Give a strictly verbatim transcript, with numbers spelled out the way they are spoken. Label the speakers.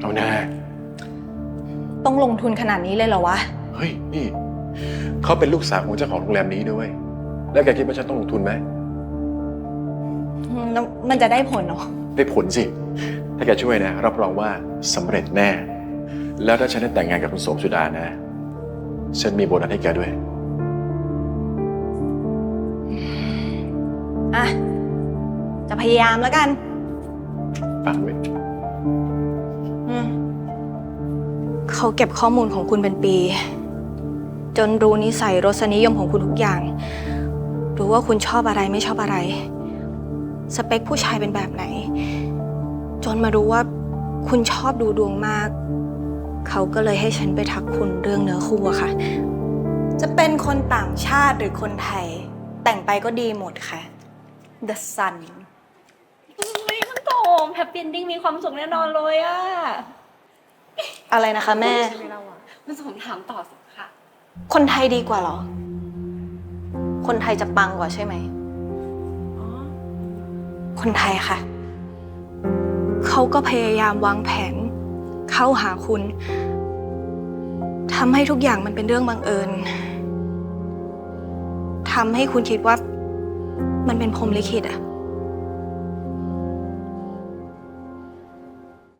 Speaker 1: เอาแน่
Speaker 2: ต้องลงทุนขนาดนี้เลยเหรอวะ
Speaker 1: เฮ้ยนี่เขาเป็นลูกสาวของเจ้าของโรงแรมนี้ด้วยแล้วแกคิดว่าฉันต้องลงทุนไหม
Speaker 2: แล้วมันจะได้ผลเหรอ
Speaker 1: ได้ผลสิถ้าแกช่วยนะรับรองว่าสำเร็จแน่แล้วถ้าฉันได้แต่งงานกับคุณโสมสุดานะฉันมีโบนัสให้แกด้วย
Speaker 2: อ่ะจะพยายามแล้วกัน
Speaker 1: ฟังไว้
Speaker 2: เขาเก็บข้อมูลของคุณเป็นปี จนรู้นิสัยรสนิยมของคุณทุกอย่าง รู้ว่าคุณชอบอะไรไม่ชอบอะไร สเปคผู้ชายเป็นแบบไหน จนมารู้ว่าคุณชอบดูดวงมาก เขาก็เลยให้ฉันไปทักคุณเรื่องเนื้อคู่อะค่ะ จะเป็นคนต่างชาติหรือคนไทย แต่งไปก็ดีหมดค่ะ The Sun
Speaker 3: ไม่คุณโตมแฮปปี้เอนดิ้งมีความสุขแน่นอนเลยอะ
Speaker 2: อะไรนะคะแม่
Speaker 3: คุณสมถามต่อสิค่ะ
Speaker 2: คนไทยดีกว่าเหรอ คนไทยจะปังกว่าใช่ไหมคนไทยค่ะ เขาก็พยายามวางแผนเข้าหาคุณทำให้ทุกอย่างมันเป็นเรื่องบังเอิญทำให้คุณคิดว่ามันเป็นพรหมลิขิตอะ